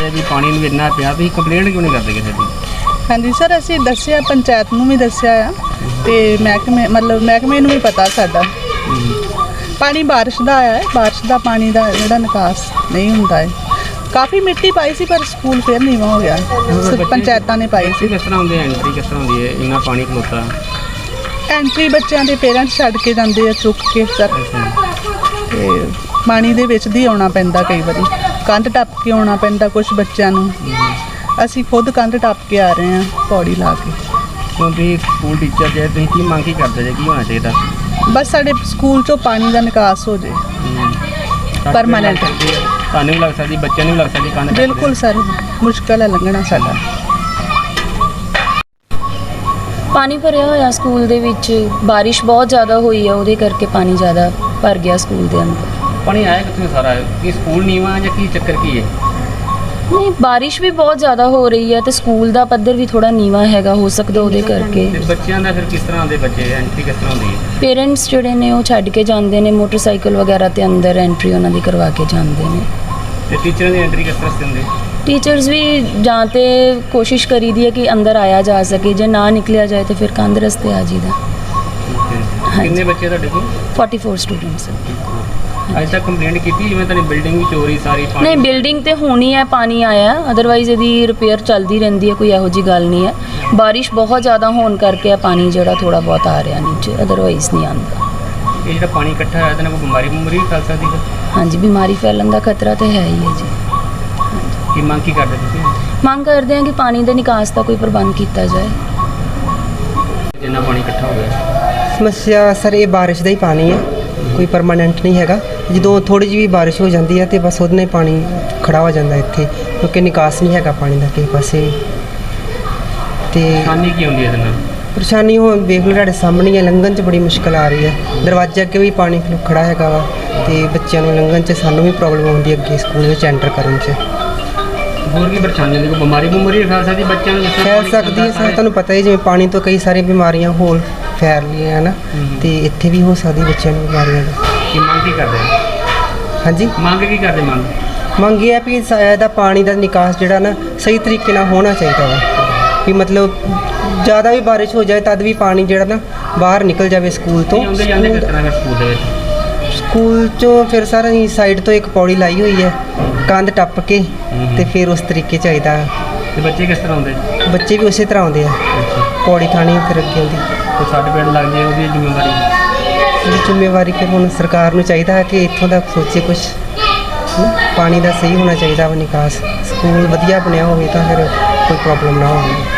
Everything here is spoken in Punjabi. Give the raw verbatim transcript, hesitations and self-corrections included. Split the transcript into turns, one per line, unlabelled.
ਰਹੇ ਵੀ ਪਾਣੀ ਨੂੰ ਇੰਨਾ ਪਿਆ ਤੁਸੀਂ ਕੰਪਲੇਂਟ ਕਿਉਂ ਨਹੀਂ ਕਰਦੇ ਕਿਸੇ ਦੀ?
ਹਾਂਜੀ ਸਰ, ਅਸੀਂ ਦੱਸਿਆ, ਪੰਚਾਇਤ ਨੂੰ ਵੀ ਦੱਸਿਆ ਆ ਤੇ ਮਹਿਕਮੇ ਮਤਲਬ ਮਹਿਕਮੇ ਨੂੰ ਵੀ ਪਤਾ ਸਾਡਾ। ਪਾਣੀ ਬਾਰਿਸ਼ ਦਾ ਆਇਆ ਹੈ, ਬਾਰਿਸ਼ ਦਾ ਪਾਣੀ ਦਾ ਜਿਹੜਾ ਨਿਕਾਸ ਨਹੀਂ ਹੁੰਦਾ ਹੈ। ਕਾਫੀ ਮਿੱਟੀ ਪਾਈ ਸੀ ਪਰ ਸਕੂਲ ਫਿਰ ਨੀਵਾਂ ਹੋ ਗਿਆ, ਪੰਚਾਇਤਾਂ ਨੇ ਪਾਈ ਸੀ।
ਕਿਸ ਤਰ੍ਹਾਂ ਹੁੰਦੀ ਹੈ ਐਂਟਰੀ, ਕਿਸ ਤਰ੍ਹਾਂ ਹੁੰਦੀ ਹੈ ਇੰਨਾ ਪਾਣੀ ਖਲੋਤਾ?
ਐਂਟਰੀ ਬੱਚਿਆਂ ਦੇ ਪੇਰੈਂਟਸ ਛੱਡ ਕੇ ਜਾਂਦੇ ਆ ਚੁੱਕ ਕੇ ਸਰ, ਤੇ ਪਾਣੀ ਦੇ ਵਿੱਚ ਦੀ ਆਉਣਾ ਪੈਂਦਾ, ਕਈ ਵਾਰੀ ਕੰਧ ਟੱਪ ਕੇ ਆਉਣਾ ਪੈਂਦਾ ਕੁਝ ਬੱਚਿਆਂ ਨੂੰ। ਅਸੀਂ ਖੁਦ ਕੰਧ ਟੱਪ ਕੇ ਆ ਰਹੇ ਹਾਂ ਪੌੜੀ ਲਾ ਕੇ।
ਕਿਉਂਕਿ ਸਕੂਲ ਟੀਚਰ ਜੇ ਤੁਸੀਂ ਕੀ ਮੰਗ ਕੀ ਕਰਦੇ ਜੇ, ਕੀ ਹੋਣਾ ਚਾਹੀਦਾ?
ਬਸ ਸਾਡੇ ਸਕੂਲ 'ਚੋਂ ਪਾਣੀ ਦਾ ਨਿਕਾਸ ਹੋ ਜੇ ਪਰਮਾਨੈਂਟ।
ਤੁਹਾਨੂੰ ਵੀ ਲੱਗ ਸਕਦੀ, ਬੱਚਿਆਂ ਨੂੰ ਵੀ ਲੱਗ ਸਕਦੀ ਕੰਧ?
ਬਿਲਕੁਲ ਸਰ, ਮੁਸ਼ਕਲ ਹੈ ਲੰਘਣਾ ਸਾਡਾ।
ਪਾਣੀ ਭਰਿਆ ਹੋਇਆ ਸਕੂਲ ਦੇ ਵਿੱਚ, ਬਾਰਿਸ਼ ਬਹੁਤ ਜ਼ਿਆਦਾ ਹੋਈ ਹੈ, ਉਹਦੇ ਕਰਕੇ ਪਾਣੀ ਜ਼ਿਆਦਾ ਭਰ ਗਿਆ ਸਕੂਲ ਦੇ ਅੰਦਰ।
ਪਾਣੀ ਆਇਆ ਕਿੱਥੋਂ ਸਾਰਾ? ਕੀ ਸਕੂਲ ਨੀਵਾਂ ਜਾਂ ਕੀ ਚੱਕਰ ਕੀ ਹੈ?
ਨਹੀਂ, ਬਾਰਿਸ਼ ਵੀ ਬਹੁਤ ਜ਼ਿਆਦਾ ਹੋ ਰਹੀ ਹੈ ਤੇ ਸਕੂਲ ਦਾ ਪੱਧਰ ਵੀ ਥੋੜਾ ਨੀਵਾਂ ਹੈਗਾ, ਹੋ ਸਕਦਾ ਉਹਦੇ ਕਰਕੇ।
ਤੇ ਬੱਚਿਆਂ ਦਾ ਫਿਰ ਕਿਸ ਤਰ੍ਹਾਂ ਦੇ ਬੱਚੇ ਐਂਟਰੀ ਕਿਸ ਤਰ੍ਹਾਂ ਹੁੰਦੀ ਹੈ?
ਪੇਰੈਂਟਸ ਜਿਹੜੇ ਨੇ ਉਹ ਛੱਡ ਕੇ ਜਾਂਦੇ ਨੇ ਮੋਟਰਸਾਈਕਲ ਵਗੈਰਾ ਤੇ ਅੰਦਰ ਐਂਟਰੀ ਉਹਨਾਂ ਦੀ ਕਰਵਾ ਕੇ ਜਾਂਦੇ ਨੇ।
ਤੇ ਟੀਚਰਾਂ ਦੀ ਐਂਟਰੀ ਕਿਸ ਤਰ੍ਹਾਂ ਹੁੰਦੀ?
ਟੀਚਰਸ ਵੀ ਜਾਂ ਤੇ ਕੋਸ਼ਿਸ਼ ਕਰੀਦੀ ਹੈ ਕਿ ਅੰਦਰ ਆਇਆ ਜਾ ਸਕੇ, ਜੇ ਨਾ ਨਿਕਲਿਆ ਜਾਏ ਤਾਂ ਫਿਰ ਕੰਧ ਰਸਤੇ ਆ ਜੀਦਾ।
ਕਿੰਨੇ ਬੱਚੇ ਤੁਹਾਡੇ ਕੋਲ?
ਚੌਂਤਾਲੀ ਸਟੂਡੈਂਟਸ।
ਅੱਜ ਤੱਕ ਕੰਪਲੇਂਟ ਕੀਤੀ ਜਿਵੇਂ ਤੁਹਾਡੀ ਬਿਲਡਿੰਗ ਵੀ ਚੋਰੀ ਸਾਰੀ ਪਾਣੀ?
ਨਹੀਂ, ਬਿਲਡਿੰਗ ਤੇ ਹੋਣੀ ਹੈ, ਪਾਣੀ ਆਇਆ, ਅਦਰਵਾਈਜ਼ ਇਹਦੀ ਰਿਪੇਅਰ ਚੱਲਦੀ ਰਹਿੰਦੀ ਹੈ, ਕੋਈ ਇਹੋ ਜੀ ਗੱਲ ਨਹੀਂ ਹੈ। ਬਾਰਿਸ਼ ਬਹੁਤ ਜ਼ਿਆਦਾ ਹੋਣ ਕਰਕੇ ਆ ਪਾਣੀ ਜਿਹੜਾ ਥੋੜਾ ਬਹੁਤ ਆ ਰਿਹਾ ਨੀਚੇ, ਅਦਰਵਾਈਜ਼ ਨਹੀਂ ਆਉਂਦਾ।
ਇਹ ਜਿਹੜਾ ਪਾਣੀ ਇਕੱਠਾ ਹੋਇਆ ਤਾਂ ਕੋਈ ਬਿਮਾਰੀ ਬਿਮਾਰੀ ਫੈਲ ਸਕਦੀ ਹੈ?
ਹਾਂਜੀ, ਬਿਮਾਰੀ ਫੈਲਣ ਦਾ ਖਤਰਾ ਤਾਂ ਹੈ ਹੀ ਹੈ ਜੀ।
ਕੀ ਮੰਗ ਕੀ ਕਰਦੇ ਤੁਸੀਂ?
ਮੰਗ ਕਰਦੇ ਹਾਂ ਕਿ ਪਾਣੀ ਦੇ ਨਿਕਾਸ ਦਾ ਕੋਈ ਪ੍ਰਬੰਧ ਕੀਤਾ ਜਾਏ।
ਜਿੰਨਾ ਪਾਣੀ ਇਕੱਠਾ ਹੋ ਗਿਆ
ਸਮੱਸਿਆ ਸਰ ਇਹ ਬਾਰਿਸ਼ ਦਾ ਹੀ ਪਾਣੀ ਹੈ, ਕੋਈ ਪਰਮਾਨੈਂਟ ਨਹੀਂ ਹੈਗਾ। ਜਦੋਂ ਥੋੜੀ ਜਿਹੀ ਵੀ ਬਾਰਿਸ਼ ਹੋ ਜਾਂਦੀ ਹੈ ਤੇ ਬਸ ਉਹਦੇ ਨਾਲ ਪਾਣੀ ਖੜਾ ਹੋ ਜਾਂਦਾ ਇੱਥੇ, ਕਿਉਂਕਿ ਨਿਕਾਸ ਨਹੀਂ ਹੈਗਾ ਪਾਣੀ ਦਾ ਕਿਸੇ ਪਾਸੇ ਵੀ। ਤੇ
ਪਰੇਸ਼ਾਨੀ ਕੀ ਹੁੰਦੀ ਹੈ ਇਹਦੇ ਨਾਲ?
ਪਰੇਸ਼ਾਨੀ ਹੁਣ ਵੇਖ ਲਓ ਤੁਹਾਡੇ ਸਾਹਮਣੇ ਹੈ, ਲੰਘਣ 'ਚ ਬੜੀ ਮੁਸ਼ਕਿਲ ਆ ਰਹੀ ਹੈ। ਦਰਵਾਜ਼ੇ ਅੱਗੇ ਵੀ ਪਾਣੀ ਖੜਾ ਹੈਗਾ ਵਾ ਤੇ ਬੱਚਿਆਂ ਨੂੰ ਲੰਘਣ 'ਚ, ਸਾਨੂੰ ਵੀ ਪ੍ਰੋਬਲਮ ਆਉਂਦੀ ਹੈ ਅੱਗੇ ਸਕੂਲ ਵਿੱਚ ਐਂਟਰ ਕਰਨ 'ਚ।
ਹੋਰ ਕੀ ਪਰੇਸ਼ਾਨੀ ਹੁੰਦੀ? ਕੋਈ ਬਿਮਾਰੀ ਬਿਮਾਰੀ ਫੈਲ ਸਕਦੀ ਬੱਚਿਆਂ ਨੂੰ?
ਫੈਲ ਸਕਦੀ ਹੈ ਸਰ, ਤੁਹਾਨੂੰ ਪਤਾ ਹੀ ਜਿਵੇਂ ਪਾਣੀ ਤੋਂ ਕਈ ਸਾਰੀਆਂ ਬਿਮਾਰੀਆਂ ਹੋਰ ਫੈਲ ਰਹੀਆਂ ਹੈ ਨਾ, ਤੇ ਇੱਥੇ ਵੀ ਹੋ ਸਕਦੀ ਬੱਚਿਆਂ ਨੂੰ ਬਿਮਾਰੀਆਂ ਦਾ।
ਕੀ ਮੰਗ ਕੀ ਕਰਦੇ?
ਹਾਂਜੀ,
ਮੰਗ ਕੀ ਕਰਦੇ? ਮੰਗ
ਮੰਗ ਇਹ ਹੈ ਵੀ ਇਹਦਾ ਪਾਣੀ ਦਾ ਨਿਕਾਸ ਜਿਹੜਾ ਨਾ ਸਹੀ ਤਰੀਕੇ ਨਾਲ ਹੋਣਾ ਚਾਹੀਦਾ ਵਾ, ਵੀ ਮਤਲਬ ਜ਼ਿਆਦਾ ਵੀ ਬਾਰਿਸ਼ ਹੋ ਜਾਏ ਤਦ ਵੀ ਪਾਣੀ ਜਿਹੜਾ ਨਾ ਬਾਹਰ ਨਿਕਲ ਜਾਵੇ ਸਕੂਲ ਤੋਂ।
ਆਉਂਦੇ ਜਾਂਦੇ ਕਿਸ ਤਰ੍ਹਾਂ ਸਕੂਲ ਦੇ ਵਿੱਚ?
ਸਕੂਲ 'ਚੋਂ ਫਿਰ ਸਰ ਅਸੀਂ ਸਾਈਡ ਤੋਂ ਇੱਕ ਪੌੜੀ ਲਾਈ ਹੋਈ ਹੈ, ਕੰਧ ਟੱਪ ਕੇ, ਤੇ ਫਿਰ ਉਸ ਤਰੀਕੇ ਚਾਹੀਦਾ।
ਤੇ ਬੱਚੇ ਕਿਸ ਤਰ੍ਹਾਂ ਆਉਂਦੇ?
ਬੱਚੇ ਵੀ ਉਸੇ ਤਰ੍ਹਾਂ ਆਉਂਦੇ ਆ, ਪੌੜੀ ਥਾਣੀ ਫਿਰ ਅੱਗੇ ਆਉਂਦੀ।
ਤੇ ਸਾਡੇ ਪਿੰਡ ਲੱਗ ਜਾਏ ਉਹਦੀ ਜ਼ਿੰਮੇਵਾਰੀ?
ਇਹਦੀ ਜ਼ਿੰਮੇਵਾਰੀ ਫਿਰ ਹੁਣ ਸਰਕਾਰ ਨੂੰ ਚਾਹੀਦਾ ਹੈ ਕਿ ਇੱਥੋਂ ਦਾ ਸੋਚੇ ਕੁਛ, ਪਾਣੀ ਦਾ ਸਹੀ ਹੋਣਾ ਚਾਹੀਦਾ ਵਾ ਨਿਕਾਸ। ਸਕੂਲ ਵਧੀਆ ਬਣਿਆ ਹੋਵੇ ਤਾਂ ਫਿਰ ਕੋਈ ਪ੍ਰੋਬਲਮ ਨਾ ਹੋਵੇ।